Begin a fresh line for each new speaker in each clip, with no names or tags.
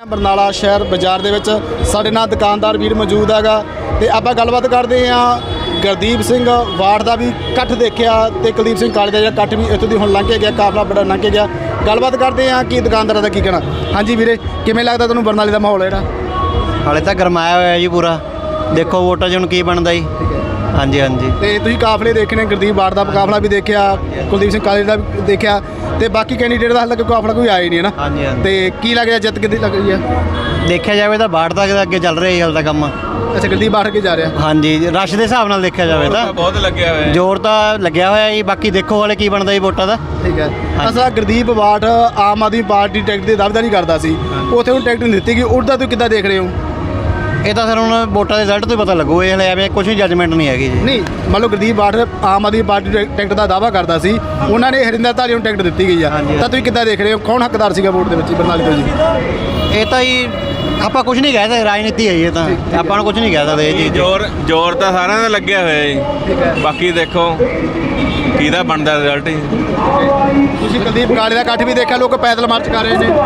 बरनाला शहर बाजार ਦੇ ਵਿੱਚ ਸਾਡੇ ਨਾਲ ਦੁਕਾਨਦਾਰ ਵੀਰ ਮੌਜੂਦ ਹੈਗਾ ਤੇ ਆਪਾਂ ਗੱਲਬਾਤ ਕਰਦੇ ਹਾਂ। ਗੁਰਦੀਪ ਸਿੰਘ ਵਾਰਡ ਦਾ ਵੀ ਇਕੱਠ ਦੇਖਿਆ ਤੇ ਕੁਲਦੀਪ ਸਿੰਘ ਕਾਲੇ ਦਾ ਜਿਹੜਾ ਇਕੱਠ ਵੀ ਇੱਥੋਂ ਦੀ ਹੁਣ ਲੰਘ ਕੇ ਗਿਆ, ਕਾਫਲਾ ਬੜਾ ਲੰਘ ਕੇ ਗਿਆ। ਗੱਲਬਾਤ ਕਰਦੇ ਹਾਂ ਕਿ ਦੁਕਾਨਦਾਰਾਂ ਦਾ ਕੀ ਕਹਿਣਾ। ਹਾਂਜੀ ਵੀਰੇ, ਕਿਵੇਂ ਲੱਗਦਾ ਤੁਹਾਨੂੰ ਬਰਨਾਲੇ ਦਾ ਮਾਹੌਲ ਜਿਹੜਾ?
ਹਾਲੇ ਤਾਂ ਗਰਮਾਇਆ ਹੋਇਆ ਜੀ ਪੂਰਾ। ਦੇਖੋ ਵੋਟਾਂ 'ਚ ਹੁਣ ਕੀ ਬਣਦਾ ਜੀ। ਹਾਂਜੀ ਹਾਂਜੀ।
ਤੇ ਤੁਸੀਂ ਕਾਫਲੇ ਦੇਖਣੇ, ਗੁਰਦੀਪ ਵਾਰਡ ਦਾ ਕਾਫਲਾ ਵੀ ਦੇਖਿਆ, ਕੁਲਦੀਪ ਸਿੰਘ ਕਾਲੇ ਦਾ ਵੀ ਦੇਖਿਆ ਤੇ ਬਾਕੀ ਕੈਂਡੀਡੇਟ ਦਾ ਹਾਲੇ ਤੱਕ ਕਾਫਲਾ ਕੋਈ ਆਇਆ ਹੀ ਨਹੀਂ ਹੈ ਨਾ।
ਹਾਂਜੀ ਹਾਂਜੀ।
ਤੇ ਕੀ ਲੱਗ ਰਿਹਾ ਜਿੱਤ ਕਿੱਦੀ ਲੱਗ ਰਹੀ ਹੈ?
ਦੇਖਿਆ ਜਾਵੇ ਤਾਂ ਬਾੜ ਤੱਕ ਦਾ ਅੱਗੇ ਚੱਲ ਰਿਹਾ ਜੀ ਹਾਲੇ ਤਾਂ ਕੰਮ।
ਅੱਛਾ, ਗੁਰਦੀਪ ਵਾਰਡ ਅੱਗੇ ਜਾ ਰਿਹਾ।
ਹਾਂਜੀ, ਰਸ਼ ਦੇ ਹਿਸਾਬ ਨਾਲ ਦੇਖਿਆ ਜਾਵੇ ਤਾਂ
ਬਹੁਤ ਲੱਗਿਆ ਹੋਇਆ,
ਜ਼ੋਰ ਤਾਂ ਲੱਗਿਆ ਹੋਇਆ ਜੀ। ਬਾਕੀ ਦੇਖੋ ਹਾਲੇ ਕੀ ਬਣਦਾ ਜੀ ਵੋਟਾਂ ਦਾ।
ਠੀਕ ਹੈ। ਅਸਾ Gurdeep ward Aam Aadmi Party ticket ਦੀ ਦਾਅਵੇਦਾਰੀ ਕਰਦਾ ਸੀ, ਉੱਥੇ ਹੁਣ ਟਿਕਟ ਨਹੀਂ ਦਿੱਤੀ ਗਈ, ਉਹਦਾ ਤੁਸੀਂ ਕਿੱਦਾਂ ਦੇਖ ਰਹੇ ਹੋ?
ਇਹ ਤਾਂ ਸਰ ਹੁਣ ਵੋਟਾਂ ਦੇ ਰਿਜ਼ਲਟ ਤੋਂ ਹੀ ਪਤਾ ਲੱਗੂ। ਇਹ ਹਲੇ ਐਵੇਂ ਕੁਝ ਵੀ ਜੱਜਮੈਂਟ ਨਹੀਂ ਹੈਗੀ ਜੀ।
ਨਹੀਂ, ਮੰਨ ਲਓ Gurdeep ward Aam Aadmi Party ticket ਦਾ ਦਾਅਵਾ ਕਰਦਾ ਸੀ, ਉਹਨਾਂ ਨੇ ਹਰਿੰਦਰ ਧਾਲੀਵਾਲ ਨੂੰ ਟਿਕਟ ਦਿੱਤੀ ਗਈ ਆ, ਤਾਂ ਤੁਸੀਂ ਕਿੱਦਾਂ ਦੇਖ ਰਹੇ ਹੋ? ਕੌਣ ਹੱਕਦਾਰ ਸੀਗਾ ਵੋਟ ਦੇ ਵਿੱਚ ਬਰਨਾਲੇ ਤੋਂ ਜੀ?
ਇਹ ਤਾਂ ਜੀ ਆਪਾਂ ਕੁਝ ਨਹੀਂ ਕਹਿ ਸਕਦੇ, ਰਾਜਨੀਤੀ ਹੈ ਜੀ ਇਹ ਤਾਂ। ਆਪਾਂ ਨੂੰ ਕੁਝ ਨਹੀਂ ਕਹਿ ਸਕਦੇ ਇਹ ਚੀਜ਼।
ਜ਼ੋਰ ਤਾਂ ਸਾਰਿਆਂ ਦਾ ਲੱਗਿਆ ਹੋਇਆ ਜੀ। ਬਾਕੀ ਦੇਖੋ ਕਿਹਦਾ ਬਣਦਾ ਰਿਜ਼ਲਟ ਜੀ।
ਤੁਸੀਂ ਕੁਲਦੀਪ ਕਾਲੇ ਦਾ ਇਕੱਠ ਵੀ ਦੇਖਿਆ, ਲੋਕ ਪੈਦਲ ਮਾਰਚ ਕਰ ਰਹੇ ਨੇ।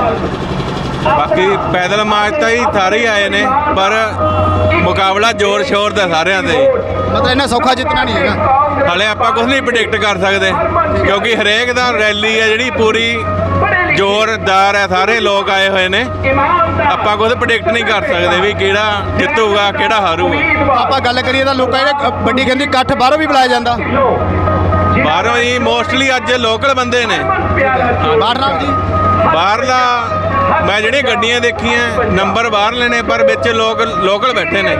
ਬਾਕੀ ਪੈਦਲ ਮਾਰਚ ਤਾਂ ਜੀ ਸਾਰੇ ਹੀ ਆਏ ਨੇ, ਪਰ ਮੁਕਾਬਲਾ ਜ਼ੋਰ ਸ਼ੋਰ ਦਾ ਸਾਰਿਆਂ ਦਾ ਜੀ।
ਮਤਲਬ ਇਹਨਾਂ ਸੌਖਾ ਜਿੱਤਣਾ ਨਹੀਂ ਹੈਗਾ।
ਹਾਲੇ ਆਪਾਂ ਕੁਝ ਨਹੀਂ ਪ੍ਰੈਡਿਕਟ ਕਰ ਸਕਦੇ, ਕਿਉਂਕਿ ਹਰੇਕ ਦਾ ਰੈਲੀ ਹੈ ਜਿਹੜੀ ਪੂਰੀ ਜ਼ੋਰਦਾਰ ਹੈ, ਸਾਰੇ ਲੋਕ ਆਏ ਹੋਏ ਨੇ। ਆਪਾਂ ਕੁਝ ਪ੍ਰੈਡਿਕਟ ਨਹੀਂ ਕਰ ਸਕਦੇ ਵੀ ਕਿਹੜਾ ਜਿੱਤੂਗਾ ਕਿਹੜਾ ਹਾਰੂਗਾ।
ਆਪਾਂ ਗੱਲ ਕਰੀਏ ਤਾਂ ਲੋਕਾਂ ਜਿਹੜੇ ਵੱਡੀ ਕਹਿੰਦੀ ਇਕੱਠ ਬਾਹਰੋਂ ਵੀ ਬੁਲਾਇਆ ਜਾਂਦਾ।
ਬਾਹਰੋਂ ਹੀ ਮੋਸਟਲੀ ਅੱਜ ਲੋਕਲ ਬੰਦੇ ਨੇ।
ਬਾਹਰ ਨਾਲ ਜੀ
ਬਾਹਰਲਾ ਮੈਂ ਜਿਹੜੀਆਂ ਗੱਡੀਆਂ ਦੇਖੀਆਂ ਨੰਬਰ ਬਾਹਰ ਲੈਣੇ, ਪਰ ਵਿੱਚ ਲੋਕਲ ਬੈਠੇ ਨੇ।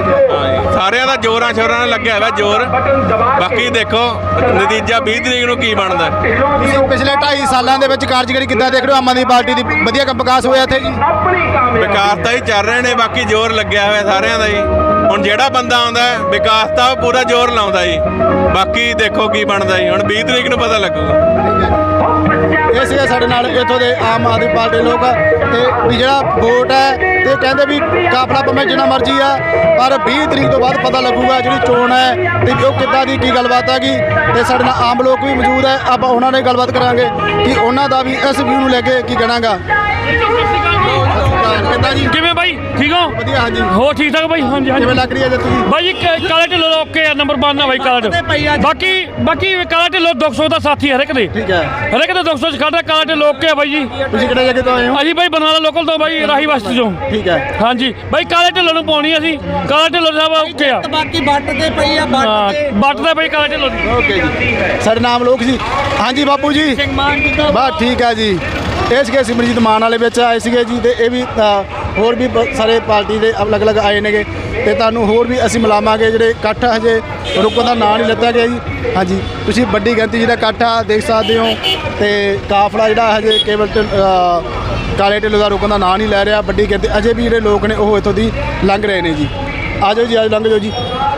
ਸਾਰਿਆਂ ਦਾ ਜ਼ੋਰਾਂ ਸ਼ੋਰਾਂ ਨਾਲ ਲੱਗਿਆ ਹੋਇਆ ਜ਼ੋਰ। ਬਾਕੀ ਦੇਖੋ ਨਤੀਜਾ 20 ਤਰੀਕ ਨੂੰ ਕੀ ਬਣਦਾ।
ਤੁਸੀਂ ਪਿਛਲੇ 2.5 ਸਾਲਾਂ ਦੇ ਵਿੱਚ ਕਾਰਜਕਾਰੀ ਕਿੱਦਾਂ ਦੇਖ ਰਹੇ ਹੋ? ਆਮ ਆਦਮੀ ਪਾਰਟੀ ਦੀ ਵਧੀਆ ਕੰਮ ਵਿਕਾਸ ਹੋਇਆ ਇੱਥੇ ਜੀ?
ਵਿਕਾਸ ਤਾਂ ਹੀ ਚੱਲ ਰਹੇ ਨੇ, ਬਾਕੀ ਜ਼ੋਰ ਲੱਗਿਆ ਹੋਇਆ ਸਾਰਿਆਂ ਦਾ ਜੀ। ਹੁਣ ਜਿਹੜਾ ਬੰਦਾ ਆਉਂਦਾ ਵਿਕਾਸ ਤਾਂ ਉਹ ਪੂਰਾ ਜ਼ੋਰ ਲਾਉਂਦਾ ਜੀ। ਬਾਕੀ ਦੇਖੋ ਕੀ ਬਣਦਾ ਜੀ, ਹੁਣ 20 ਤਰੀਕ ਨੂੰ ਪਤਾ ਲੱਗੂਗਾ।
ਇਹ ਸੀਗੇ ਸਾਡੇ ਨਾਲ ਇੱਥੋਂ ਦੇ ਆਮ ਆਦਮੀ ਪਾਰਟੀ ਲੋਕ ਤੇ ਵੀ ਜਿਹੜਾ ਵੋਟ ਹੈ ਤੇ ਕਹਿੰਦੇ ਵੀ ਕਾਫਲਾ ਭਾਵੇਂ ਜਿੰਨਾ ਮਰਜ਼ੀ ਆ, ਪਰ 20 ਤਰੀਕ ਤੋਂ ਬਾਅਦ ਪਤਾ ਲੱਗੂਗਾ ਜਿਹੜੀ ਚੋਣ ਹੈ ਤੇ ਉਹ ਕਿੱਦਾਂ ਦੀ ਕੀ ਗੱਲਬਾਤ ਹੈਗੀ। ਤੇ ਸਾਡੇ ਨਾਲ ਆਮ ਲੋਕ ਵੀ ਮੌਜੂਦ ਹੈ, ਆਪਾਂ ਉਹਨਾਂ ਨਾਲ ਗੱਲਬਾਤ ਕਰਾਂਗੇ ਕਿ ਉਹਨਾਂ ਦਾ ਵੀ ਇਸ ਵਿਊ ਨੂੰ ਲੈ ਕੇ ਕੀ ਕਹਿਣਾਗਾ। ਕਿੱਦਾਂ ਜੀ?
ਕਿਵੇਂ ਬਾਈ, ਠੀਕ ਹੋ?
ਵਧੀਆ। ਹਾਂਜੀ,
ਹੋ ਠੀਕ ਠਾਕ ਬਾਈ? ਹਾਂਜੀ ਹਾਂਜੀ।
ਕਿਵੇਂ ਲੱਗ ਰਹੀ ਹੈ ਜੇ ਤੁਸੀਂ?
ਬਾਈ ਕਾਲਾ ਢਿੱਲੋਂ ਦਾ ਓਕੇ ਆ, ਨੰਬਰ 1 ਆ ਬਾਈ ਕਾਲਾ ਢਿੱਲੋਂ। ਬਾਕੀ ਕਾਲਾ ਢਿੱਲੋਂ 200 ਦਾ ਸਾਥੀ ਹਰ ਇੱਕ ਦੇ,
ਠੀਕ ਹੈ।
ਹਰ ਇੱਕ ਦੇ 200 ਚ ਖੜਦਾ। ਕਾਲਾ ਢਿੱਲੋਂ ਓਕੇ ਆ ਬਾਈ ਜੀ।
ਤੁਸੀਂ ਕਿਹੜੇ ਜਗ੍ਹਾ ਤੋਂ ਆਏ ਹੋ?
ਅਸੀਂ ਬਾਈ ਬਰਨਾਲਾ ਲੋਕਲ ਤੋਂ ਬਾਈ, ਰਾਹੀ ਬਸਤੀ ਤੋਂ।
ਠੀਕ ਹੈ।
ਹਾਂਜੀ ਬਾਈ, ਕਾਲੇ ਢਿੱਲੋਂ ਨੂੰ ਪਾਉਣੀ ਅਸੀਂ। ਕਾਲਾ ਢਿੱਲੋਂ ਸਾਹਿਬ ਓਕੇ ਆ।
ਬਾਕੀ ਬੱਟ ਤੇ ਪਈ ਆ,
but the by Kala Dhillon the.
Okay ਜੀ, ਸਾਡੇ ਨਾਮ ਲੋਕ ਜੀ। ਹਾਂਜੀ ਬਾਪੂ ਜੀ, ਬਸ ਠੀਕ ਹੈ ਜੀ। ਇਹ ਸੀਗੇ ਸਿਮਰਜੀਤ ਮਾਨ ਵਾਲੇ ਵਿੱਚ ਆਏ ਸੀਗੇ ਜੀ, ਤੇ ਇਹ ਵੀ ਹੋਰ ਵੀ ਸਾਰੇ ਪਾਰਟੀ ਦੇ ਅਲੱਗ-ਅਲੱਗ ਆਏ ਨੇਗੇ ਤੇ ਤੁਹਾਨੂੰ ਹੋਰ ਵੀ ਅਸੀਂ ਮਿਲਾਵਾਂਗੇ। ਜਿਹੜੇ ਇਕੱਠ ਹਜੇ ਰੁਕਣ ਦਾ ਨਾਂ ਨਹੀਂ ਲਿੱਤਾ ਗਿਆ ਜੀ। ਹਾਂਜੀ, ਤੁਸੀਂ ਵੱਡੀ ਗਿਣਤੀ ਜਿਹੜਾ ਇਕੱਠ ਆ ਦੇਖ ਸਕਦੇ ਹੋ ਤੇ ਕਾਫਲਾ ਜਿਹੜਾ ਹਜੇ ਕੇਵਲ ਕਾਲੇ ਢਿੱਲੋਂ ਦਾ ਰੁਕਣ ਦਾ ਨਾਂ ਨਹੀਂ ਲੈ ਰਿਹਾ। ਵੱਡੀ ਗਿਣਤੀ ਅਜੇ ਵੀ ਜਿਹੜੇ ਲੋਕ ਨੇ ਉਹ ਇੱਥੋਂ ਦੀ ਲੰਘ ਰਹੇ ਨੇ ਜੀ। ਆ ਜਾਓ ਜੀ, ਆ ਲੰਘ ਜਾਓ ਜੀ,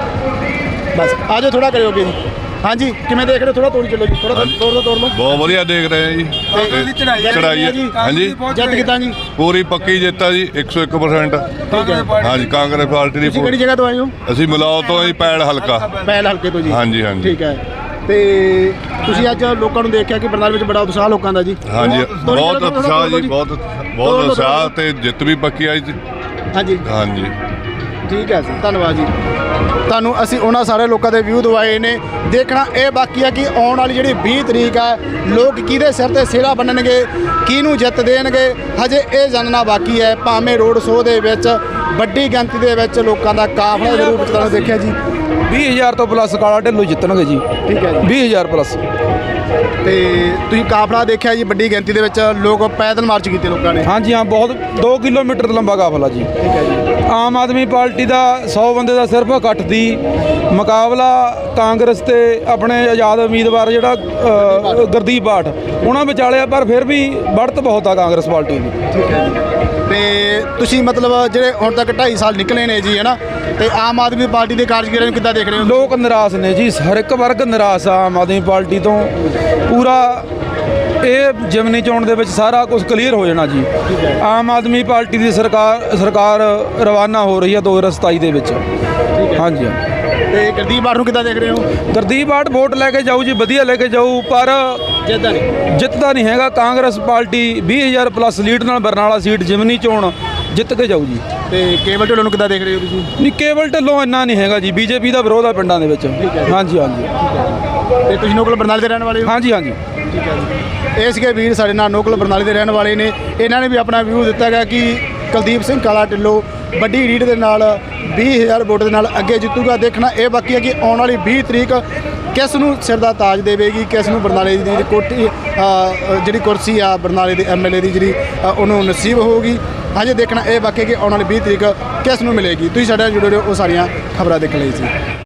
ਬਸ ਆ ਜਾਓ, ਥੋੜਾ ਕਰਿਓਗੇ ਜੀ। ਹਾਂਜੀ, ਕਿਵੇਂ ਦੇਖ ਰਹੇ ਹੋ? ਥੋੜਾ ਤੋੜੀ ਚੱਲੋ ਜੀ, ਥੋੜਾ ਤੋੜ ਲਓ।
ਬਹੁਤ ਵਧੀਆ ਦੇਖ ਰਹੇ ਆ ਜੀ। ਚੜਾਈ ਹਾਂਜੀ,
ਜਿੱਤ ਕਿੱਦਾਂ ਜੀ?
ਪੂਰੀ ਪੱਕੀ ਜਿੱਤ ਆ ਜੀ, 101%।
ਠੀਕ ਹੈ।
ਹਾਂਜੀ, ਕਾਂਗਰਸ ਪਾਰਟੀ ਦੀ।
ਤੁਸੀਂ ਕਿਹੜੀ ਜਗ੍ਹਾ ਤੋਂ ਆਏ ਹੋ?
ਅਸੀਂ ਮਲਾਓ ਤੋਂ ਹੀ, ਪੈੜ ਹਲਕਾ।
ਪੈਲ ਹਲਕੇ ਤੋਂ ਜੀ।
ਹਾਂਜੀ ਹਾਂਜੀ।
ਠੀਕ ਹੈ। ਤੇ ਤੁਸੀਂ ਅੱਜ ਲੋਕਾਂ ਨੂੰ ਦੇਖਿਆ ਕਿ ਬਰਨਾਲੇ ਵਿੱਚ ਬੜਾ ਉਤਸ਼ਾਹ ਲੋਕਾਂ ਦਾ ਜੀ?
ਹਾਂਜੀ, ਬਹੁਤ ਉਤਸ਼ਾਹ ਜੀ, ਬਹੁਤ ਉਤਸ਼ਾਹ ਤੇ ਜਿੱਤ ਵੀ ਪੱਕੀ ਆਈ ਜੀ।
ਹਾਂਜੀ
ਹਾਂਜੀ,
ਠੀਕ ਹੈ ਜੀ, ਧੰਨਵਾਦ ਜੀ। ਤੁਹਾਨੂੰ ਅਸੀਂ ਉਹਨਾਂ ਸਾਰੇ ਲੋਕਾਂ ਦੇ ਵਿਊ ਦਵਾਏ ਨੇ। ਦੇਖਣਾ ਇਹ ਬਾਕੀ ਹੈ ਕਿ ਆਉਣ ਵਾਲੀ ਜਿਹੜੀ 20 ਤਰੀਕ ਹੈ, ਲੋਕ ਕਿਹਦੇ ਸਿਰ ਤੇ ਸਿਹਰਾ ਬੰਨਣਗੇ, ਕਿਹਨੂੰ ਜਿੱਤ ਦੇਣਗੇ, ਹਜੇ ਇਹ ਜਾਣਨਾ ਬਾਕੀ ਹੈ। ਭਾਵੇਂ ਰੋਡ ਸ਼ੋਅ ਦੇ ਵਿੱਚ ਵੱਡੀ ਗਿਣਤੀ ਦੇ ਵਿੱਚ ਲੋਕਾਂ ਦਾ ਕਾਫਲਾ ਦੇ ਰੂਪ ਵਿੱਚ ਤੁਹਾਨੂੰ ਦੇਖਿਆ ਜੀ।
20,000 ਤੋਂ ਪਲੱਸ ਕਾਲਾ ਢਿੱਲੋਂ ਜਿੱਤਣਗੇ ਜੀ।
ਠੀਕ ਹੈ ਜੀ,
20,000 ਪਲੱਸ।
ਤੇ ਤੁਸੀਂ ਕਾਫਲਾ ਦੇਖਿਆ ਜੀ, ਵੱਡੀ ਗਿਣਤੀ ਦੇ ਵਿੱਚ ਲੋਕ ਪੈਦਲ ਮਾਰਚ ਕੀਤੇ ਲੋਕਾਂ ਨੇ।
ਹਾਂਜੀ ਹਾਂ, ਬਹੁਤ 2 ਕਿਲੋਮੀਟਰ ਲੰਬਾ ਕਾਫਲਾ ਜੀ।
ਠੀਕ ਹੈ ਜੀ।
ਆਮ ਆਦਮੀ ਪਾਰਟੀ ਦਾ 100 ਬੰਦੇ ਦਾ ਸਿਰਫ ਇਕੱਠ ਦੀ ਮੁਕਾਬਲਾ ਕਾਂਗਰਸ ਤੇ ਆਪਣੇ ਆਜ਼ਾਦ ਉਮੀਦਵਾਰ ਜਿਹੜਾ ਗੁਰਦੀਪ ਬਾਠ ਉਹਨਾਂ ਵਿਚਾਲੇ ਆ, ਪਰ ਫਿਰ ਵੀ बढ़त बहुत आ कांग्रेस पार्टी की।
ठीक है जी। ਤੇ ਤੁਸੀਂ ਮਤਲਬ ਜਿਹੜੇ ਹੁਣ ਤੱਕ 2.5 ਸਾਲ ਨਿਕਲੇ ਨੇ ਜੀ, ਹੈ ਨਾ, ਤੇ ਆਮ ਆਦਮੀ ਪਾਰਟੀ ਦੇ ਕਾਰਜਕਰਤਾ ਨੂੰ ਕਿੱਦਾਂ ਦੇਖ ਰਹੇ ਹੋ?
ਲੋਕ ਨਿਰਾਸ਼ ਨੇ ਜੀ, ਹਰ ਇੱਕ ਵਰਗ ਨਿਰਾਸ਼ ਆ ਆਮ ਆਦਮੀ ਪਾਰਟੀ ਤੋਂ ਪੂਰਾ। ਇਹ ਜਿਮਨੀ ਚੋਣ ਦੇ ਵਿੱਚ ਸਾਰਾ ਕੁਝ ਕਲੀਅਰ ਹੋ ਜਾਣਾ ਜੀ। ਆਮ ਆਦਮੀ ਪਾਰਟੀ ਦੀ ਸਰਕਾਰ ਰਵਾਨਾ ਹੋ ਰਹੀ ਹੈ 2027 ਦੇ ਵਿੱਚ। ਹਾਂਜੀ।
ਤੇ ਗੁਰਦੀਪ ਬਾਠ ਨੂੰ ਕਿੱਦਾਂ ਦੇਖ ਰਹੇ ਹੋ?
ਗੁਰਦੀਪ ਬਾਠ ਵੋਟ ਲੈ ਕੇ ਜਾਊ ਜੀ, ਵਧੀਆ ਲੈ ਕੇ ਜਾਊ, ਪਰ
ਜਿੱਦਾਂ ਨਹੀਂ
ਜਿੱਤਦਾ ਨਹੀਂ ਹੈਗਾ। ਕਾਂਗਰਸ ਪਾਰਟੀ 20,000 ਪਲੱਸ ਲੀਡ ਨਾਲ ਬਰਨਾਲਾ ਸੀਟ ਜਿਮਨੀ ਚੋਣ ਜਿੱਤ ਕੇ ਜਾਊ ਜੀ।
ਤੇ ਕੇਵਲ ਢਿੱਲੋਂ ਨੂੰ ਕਿੱਦਾਂ ਦੇਖ ਰਹੇ ਹੋ ਤੁਸੀਂ?
ਨਹੀਂ, ਕੇਵਲ ਢਿੱਲੋਂ ਇੰਨਾ ਨਹੀਂ ਹੈਗਾ ਜੀ, ਬੀਜੇਪੀ ਦਾ ਵਿਰੋਧ ਆ ਪਿੰਡਾਂ ਦੇ ਵਿੱਚ। ਹਾਂਜੀ ਹਾਂਜੀ
ਤੇ ਤੁਸੀਂ ਨੋਕਲ ਬਰਨਾਲੇ ਦੇ ਰਹਿਣ ਵਾਲੇ ਹੋ?
ਹਾਂਜੀ ਹਾਂਜੀ।
ਠੀਕ ਹੈ ਜੀ। ਇਹ ਸੀਗੇ ਵੀਰ ਸਾਡੇ ਨਾਲ ਨੋਕਲ ਬਰਨਾਲੇ ਦੇ ਰਹਿਣ ਵਾਲੇ ਨੇ। ਇਹਨਾਂ ਨੇ ਵੀ ਆਪਣਾ ਵਿਊ ਦਿੱਤਾ ਗਿਆ ਕਿ ਕੁਲਦੀਪ ਸਿੰਘ ਕਾਲਾ ਢਿੱਲੋਂ ਵੱਡੀ ਲੀਡ ਦੇ ਨਾਲ 20,000 ਵੋਟ ਦੇ ਨਾਲ ਅੱਗੇ ਜਿੱਤੂਗਾ। ਦੇਖਣਾ ਇਹ ਬਾਕੀ ਹੈ ਕਿ ਆਉਣ ਵਾਲੀ 20 ਤਰੀਕ ਕਿਸ ਨੂੰ ਸਿਰ ਦਾ ਤਾਜ ਦੇਵੇਗੀ, ਕਿਸ ਨੂੰ ਬਰਨਾਲੇ ਦੀ ਕੋਠੀ ਜਿਹੜੀ ਕੁਰਸੀ ਆ ਬਰਨਾਲੇ ਦੇ MLA ਦੀ ਜਿਹੜੀ ਉਹਨੂੰ ਨਸੀਬ ਹੋਊਗੀ। ਹਜੇ ਦੇਖਣਾ ਇਹ ਬਾਕੀ ਹੈ ਕਿ ਆਉਣ ਵਾਲੀ 20 ਤਰੀਕ ਕਿਸ ਨੂੰ ਮਿਲੇਗੀ। ਤੁਸੀਂ ਸਾਡੇ ਨਾਲ ਜੁੜੇ ਰਹੋ, ਉਹ ਸਾਰੀਆਂ ਖਬਰਾਂ ਦੇਖਣ ਲਈ ਸੀ।